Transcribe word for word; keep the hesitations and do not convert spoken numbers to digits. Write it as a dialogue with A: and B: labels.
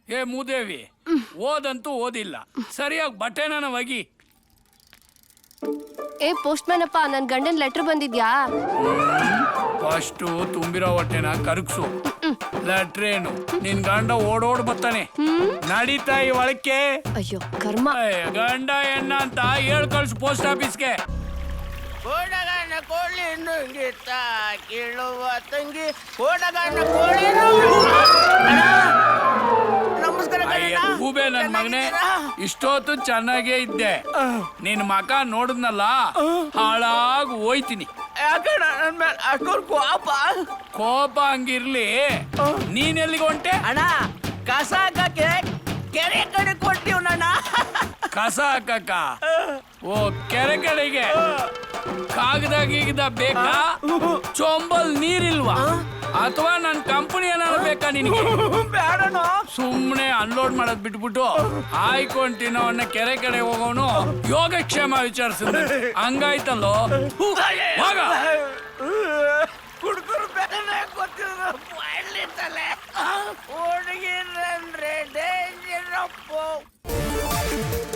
A: ಏ ಮೂದೇವಿ, ಓದಂತೂ ಓದಿಲ್ಲ, ಸರಿಯಾಗಿ ಬಟ್ಟೆನ ಒಗಿ.
B: ಏ ಪೋಸ್ಟ್ ಮ್ಯಾನ್ ಅಪ್ಪ, ನನ್ ಗಂಡನ್ ಲೆಟರ್ ಬಂದಿದ್ಯಾ?
A: ಫಸ್ಟು ತುಂಬಿರೋ ಹೊಟ್ಟೆನ ಕರಗ್ಸು. ಲೆಟ್ರೇನು ನಿನ್ ಗಂಡ ಓಡೋಡ್ ಬರ್ತಾನೆ, ನಡೀತಾ ಈ ಒಳಕ್ಕೆ.
B: ಅಯ್ಯೋ ಕರ್ಮ.
A: ಗಂಡ ಎಣ್ಣ ಅಂತ ಹೇಳ್ ಕಳ್ಸು ಪೋಸ್ಟ್ ಆಫೀಸ್ಗೆ.
C: ಕೋಡಗನ ಕೋಳಿ ನುಂಗಿತ್ತ ಕೀಳುವ ತಂಗಿ, ಕೋಡಗನ ಕೋಳಿ ನಮಸ್ಕಾರ.
A: ಹೂಬೆ ನನ್ ಮಗನೇ, ಇಷ್ಟೊತ್ತು ಚೆನ್ನಾಗೇ ಇದ್ದೆ, ನಿನ್ ಮಕ ನೋಡಿದ್ನಲ್ಲ ಹಾಳಾಗ್ ಹೋಯ್ತೀನಿ.
C: ಅಷ್ಟೊಂದು ಕೋಪ
A: ಕೋಪ ಹಂಗಿರ್ಲಿ, ನೀನ್ ಎಲ್ಲಿಗೆ ಹೊಂಟೆ?
C: ಅಣ್ಣ ಕಸ ಹಾಕಕ್ಕೆ ಕೆರೆ ಕಡೆ ಕೊಟ್ಟಿವ್ ನನ್ನ.
A: ಕಸ ಹಾಕಕ್ಕ? ಓ ಕೆರೆ ಕಡೆಗೆ. ಕಾಗದ ಗೀಗದ ಬೇಕಾ? ಚೊಂಬಲ್ ನೀರಿಲ್ವಾ? ಅಥವಾ ನನ್ ಕಂಪನಿ ಏನಾದ್ರು ಬೇಕಾ ನಿನಗೆ?
C: ಬೇಡಣ.
A: ಸುಮ್ನೆ ಅನ್ಲೋಡ್ ಮಾಡೋದ್ ಬಿಟ್ಬಿಟ್ಟು ಆಯ್ಕೊಂತಿನೋ ಅವನ್ನ ಕೆರೆ ಕಡೆ ಹೋಗೋನು ಯೋಗಕ್ಷೇಮ ವಿಚಾರಿಸಿದ ಹಂಗಾಯ್ತಲ್ಲೋ. ಹೋಗ.
C: ಕುಡ್ಕರು ಬೇರೆ ಗೊತ್ತಿಲ್ಲ, ಹುಡುಗಿರಂದ್ರೆ ಡೇಂಜರಪ್ಪ.